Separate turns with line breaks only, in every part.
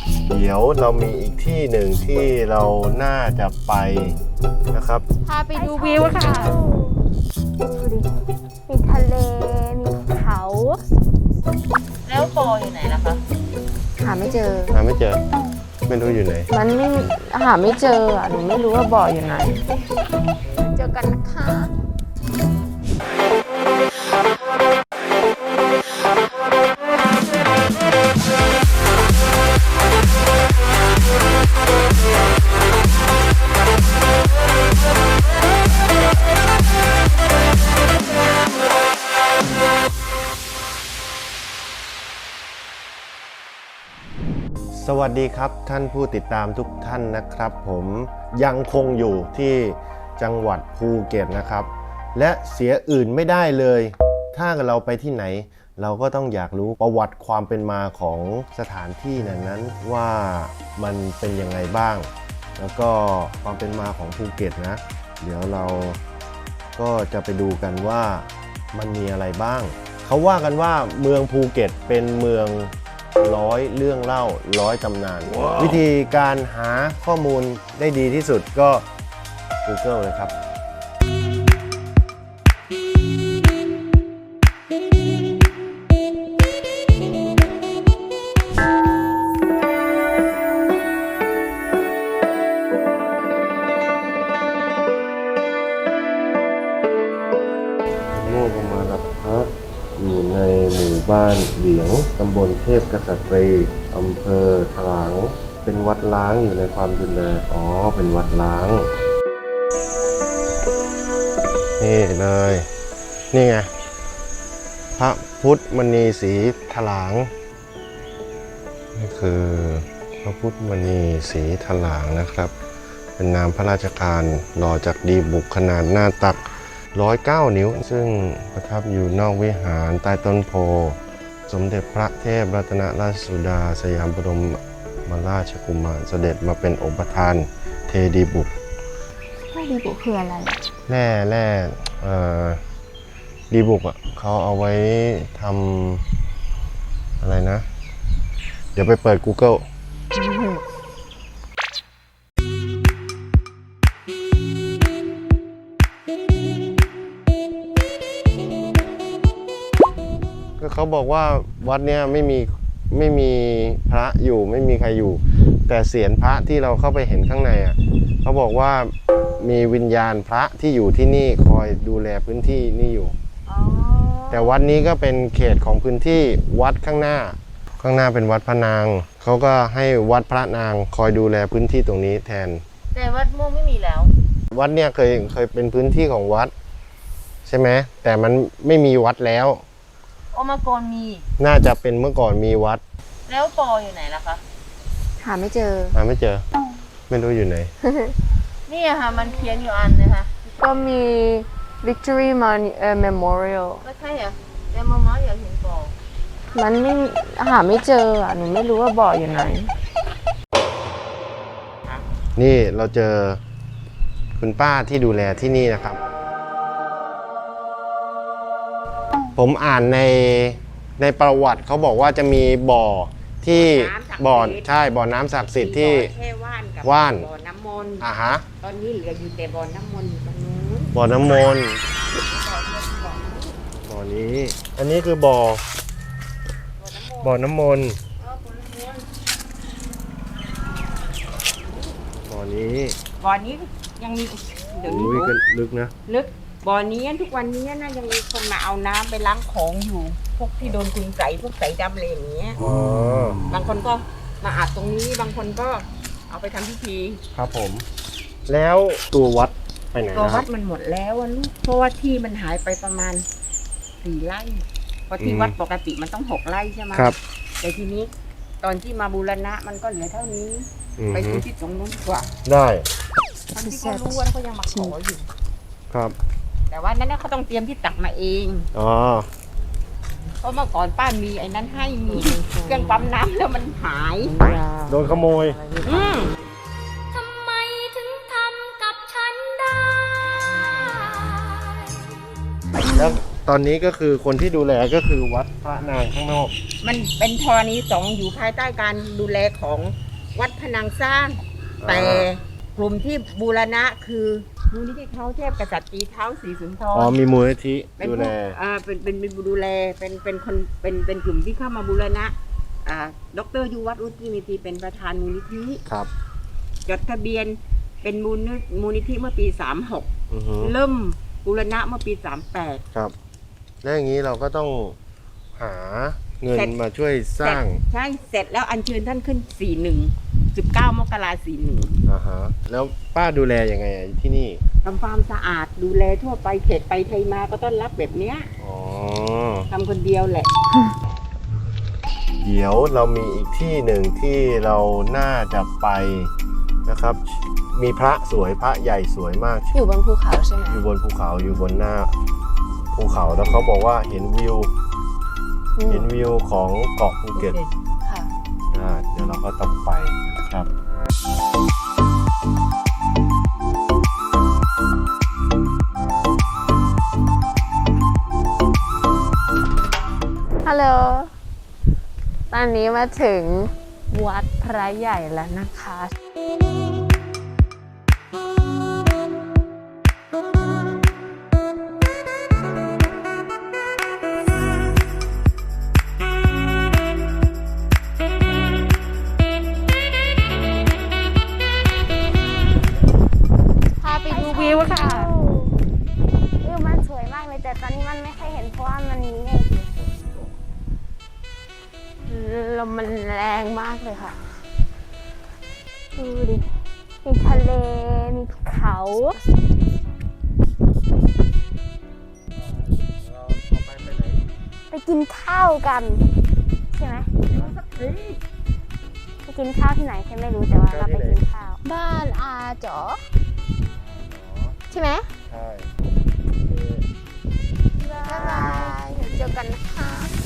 เดี๋ยวเรามีอีกที่หนึ่งที่เราน่าจะไปนะครับ
พาไปดูวิวค่ะดูดิมีทะเลมีเขา
แล้วปออยู่ไหนล่ะคะ
หาไม่เจอ
ไม่รู้อยู่ไหน
มันไม่หาไม่เจออ่ะหนูไม่รู้ว่าบ่ออยู่ไหนเจอกันนะคะ
สวัสดีครับท่านผู้ติดตามทุกท่านนะครับผมยังคงอยู่ที่จังหวัดภูเก็ตนะครับและเสียอื่นไม่ได้เลยถ้าเราไปที่ไหนเราก็ต้องอยากรู้ประวัติความเป็นมาของสถานที่นั้นว่ามันเป็นยังไงบ้างแล้วก็ความเป็นมาของภูเก็ตนะเดี๋ยวเราก็จะไปดูกันว่ามันมีอะไรบ้างเขาว่ากันว่าเมืองภูเก็ตเป็นเมืองร้อยเรื่องเล่าร้อยตำนาน วิธีการหาข้อมูลได้ดีที่สุดก็ Google เลยครับโมกมารับพระอยู่ในหมู่บ้านเหลียงตำบลเทพกษัตรีอำเภอถลางเป็นวัดล้างอยู่ในความดูแลเป็นวัดล้างนี่เลยนี่ไงพระพุทธมณีสีถลางนี่คือพระพุทธมณีสีถลางนะครับเป็นนามพระราชทานหล่อจากดีบุกขนาดหน้าตัก109 นิ้วซึ่งประทับอยู่นอกวิหารใต้ต้นโพสมเด็จพระเทพรัตนราชสุดาสยามบรมราชกุมารเสด็จมาเป็นองค์ประธานเทดีบุก
ดีบุกคืออะไร
แร่ดีบุกเขาเอาไว้ทำอะไรนะเดี๋ยวไปเปิด Googleเขาบอกว่าวัดเนี้ยไม่มีพระอยู่ไม่มีใครอยู่แต่เศียรพระที่เราเข้าไปเห็นข้างในเขาบอกว่ามีวิญญาณพระที่อยู่ที่นี่คอยดูแลพื้นที่นี่อยู่แต่วัดนี้ก็เป็นเขตของพื้นที่วัดข้างหน้าเป็นวัดพระนางเขาก็ให้วัดพระนางคอยดูแลพื้นที่ตรงนี้แทน
แต่วัดม่วงไม่มีแล้ว
วัดเนี่ยเคยเป็นพื้นที่ของวัดใช่ไหมแต่มันไม่มีวัดแล้ว
เมื่อก่อนมี
น่าจะเป็นเมื่อก่อนมีวัด
แล้วปออยู่ไหนล่ะคะ
หาไม่เจอ
ไม่รู้อยู่ไหน
นี่ค่ะมันเขียนอยู่อันนะคะ
ก็มี Victory Memorial
ก็ใช่อ่ะแต่มาอยากเห็นปอ
มันไม่หาไม่เจออ่ะหนูไม่รู้ว่าบ่ออยู่ไหน
นี่เราเจอคุณป้าที่ดูแลที่นี่นะครับผมอ่านในประวัติเขาบอกว่าจะมีบ่อที่บ่อน้ำศักดิ์สิทธิ์ที่ว่าน
บ่อน้ำมนต์
ฮะ
ตอนนี้เหลืออยู่แต่บ่อน้ำมนต์ตรงนู้น
บ่อน้ำมนต์บ่อนี้อันนี้คือบ่อน้ำมนต์บ่อ
นี้ยังมีเดี๋ยวนี้
ลึกนะ
ลึกบ่อนี้ทุกวันนี้นะยังมีคนมาเอาน้ำไปล้างของอยู่พวกที่โดนคุณใส่พวกใส่ดำอะไรอย่างเงี้ยบางคนก็มาอาบตรงนี้บางคนก็เอาไปทำพิธี
ครับผมแล้วตัววัดไปไหน
ตัววัดมันหมดแล้วลูกเพราะว่าที่มันหายไปประมาณ4 ไร่เพราะที่วัดปกติมันต้อง6 ไร่ใช่ไหม
ครับ
แต่ทีนี้ตอนที่มาบูรณะมันก็เหลือเท่านี้ไปดูที่ตรงนู้นดีกว่า
ได้
ตอนที่เขารู้ว่าเขายังมาขออยู่
ครับ
แต่ว่านั้นเขาต้องเตรียมที่ตักมาเองเพราะเมื่อก่อนป้ามีไอ้นั้นให้มีเครื่องปั๊มน้ำแล้วมันหาย
โดนขโมย
ทำไมถึงทำกับฉันได้
แล้วตอนนี้ก็คือคนที่ดูแลก็คือวัดพระนางข้างนอก
มันเป็นธรณีสงฆ์อยู่ภายใต้การดูแลของวัดพนังสร้าง แต่กลุ่มที่บูรณะคือมูลนิธิเขาเทพกษัตริย์ตีเท้าศรีสุนทร
อ๋อมีมูลนิธิ
เป็น
ดูแล
เป็นดูแลเป็นคนเป็นกลุ่มที่เข้ามาบูรณะดรยุวัฒน์อุตติมิตรีเป็นประธานมูลนิธิ
ครับ
จดทะเบียนเป็นมูลนิธิเมื่อปี
อือฮึ
36 เริ่มบูรณะเมื่อปี 38
ครับ แล้วอย่างนี้เราก็ต้องหาเงิน
เสร็จ
มาช่วยสร้าง
ใช่เสร็จแล้วอัญเชิญท่านขึ้น 19 มกราคม
อ่าฮะแล้วป้าดูแลยังไงที่นี่
41ทำความสะอาดดูแลทั่วไปเขตไปไทยมาก็ต้อนรับแบบเนี้ย
อ๋อ
ทำคนเดียวแหละ
เดี๋ยวเรามีอีกที่หนึ่งที่เราน่าจะไปนะครับ มีพระสวยพระใหญ่สวยมาก
อยู่บนภูเขาใช่ไหม
อยู่บนภูเขาอยู่บนหน้าภูเขาแล้วเขาบอกว่าเห็นวิว เห็นวิวของเกาะภูเก็ต
ค่ะ
เดี๋ยวเราก็ต้องไปนะครับ
ฮัลโหล ตอนนี้มาถึงวัดพระใหญ่แล้วนะคะ พาไปดูวิวค่ะ วิวมันสวยมากเลยแต่ตอนนี้มันไม่ค่อยเห็นเพราะว่ามันมีเมฆลมมันแรงมากเลยค่ะ ดูดิ มีทะเล มีเขา ไปกินข้าวกัน ใช่ไหมไปกินข้าวที่ไหนฉันไม่รู้แต่ว่าเราไปกินข้าว บ้านอาจ๋อใช่ไหม
ใช่
บ๊ายบายเดี๋ยวเจอกันนะคะ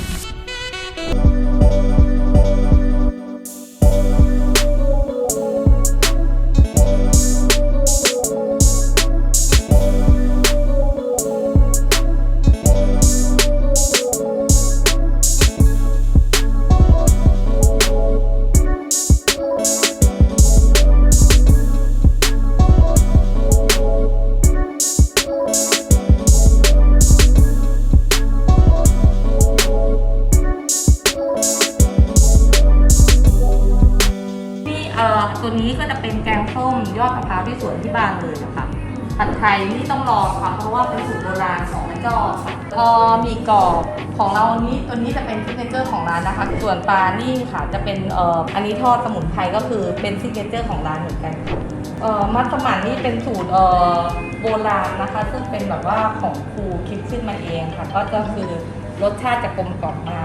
ตัวนี้ก็จะเป็นแกงส้มยอดมะพร้าวที่สวนที่บ้านเลยนะคะผัดไทยนี่ต้องลองค่ะเพราะว่าเป็นสูตรโบราณของแม่จอมีกรอบของเราตัวนี้จะเป็นซิกเนเจอร์ของร้านนะคะส่วนปลานี่ค่ะจะเป็นอันนี้ทอดสมุนไพรก็คือเป็นซิกเนเจอร์ของร้านเหมือนกันมัสมั่นนี่เป็นสูตรโบราณนะคะซึ่งเป็นแบบว่าของครูคิดขึ้นมาเองค่ะก็จะคือรสชาติจะกลมกล่อมมาก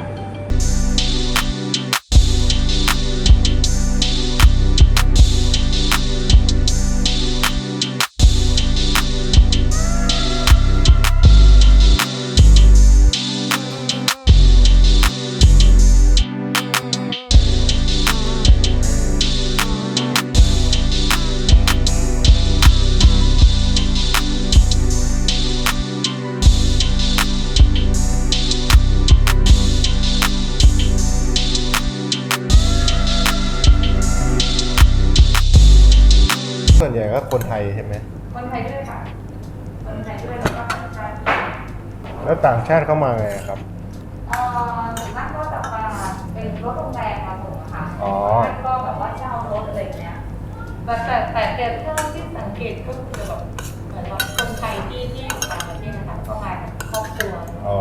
ส่วนใหญ่ก็คนไทยใช่ไหม
คนไทยด้วยค่ะ คนไทยด้วยแล้วก็ต่างชาติ
แล้วต่างชาติเข้ามาไงครับ
ส่วนมากก็จะมาเป็นรถโรงแรมมาส่งค่ะ
อ๋อ
แล้วก็แบบว่าเช่ารถอะไรอย่างเงี้ย แต่เท่าที่สังเกตก็คือแบบเหมือนว่าคนไทยที่อยู่ต่างประเทศนะคะก็มากับครอบครัว
อ๋อ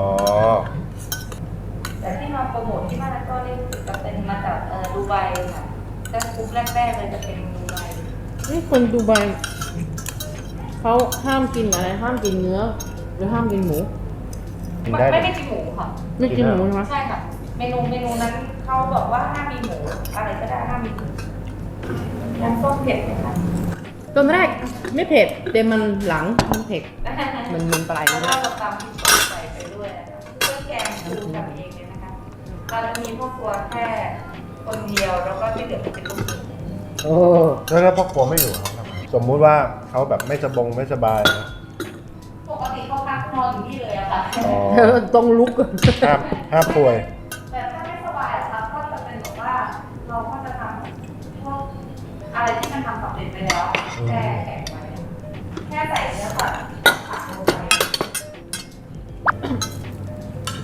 แต่ที่มาโปรโมทที่บ้านก็ได้รู้สึกจะเป็นมาจากดูไบค่ะแต่กลุ่มแรกๆเลยจะเป็นดูไบ
นี่คนดูไบเขาห้ามกินอะไร ห้ามกินเนื้อ หรือห้ามกินหมู
กินได้
ไม่ได้กินหมูค่ะ
ไม่กินหมูใช่ไหม
ใช่ค่ะ เมนูนั้นเขาบอกว่าห้ามมีหมูอะไรก็ได้ห้ามมีหมูน้ำส้มเผ็ดไหมคะ
ตอนแรกไม่เผ็ดแต่มันหลังมันเผ็ด มันปลาย
เพ
เล
ราะ
ย
ว่าเราตำพริกป่นใส่ไปด้วยนะคะเครื่องแกงคือทำเองเลยนะคะเราจะมีพ่อครัวแค่คนเดียวแล้วก็ที่เหลือเป็นลูกมือ
โอ้
แล้วถ้าพ่อครัวไม่อยู่เขาทำไงสมมุติว่าเขาแบบไม่สบายนะ
ปกติเขาพักนอนอยู่นี่เลยอะค่ะ
อ๋อ
ต้องลุก
ห้ามป่วย
แต่ถ้าไม่สบายอะครับก็จะเป็นแบบว่าเราก็จะทำพวกอะไรที่มันทำสำเร็จไปแล้วแช่แข็งไว้แค่ใส่เนื้อสัตว์ผักลงไป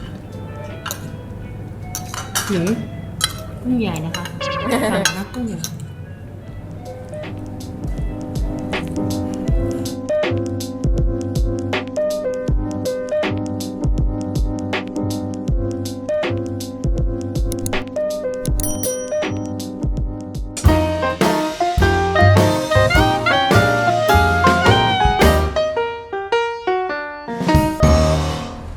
หนึ่งกุ้งใหญ่นะคะสั่งนะกุ้งใหญ่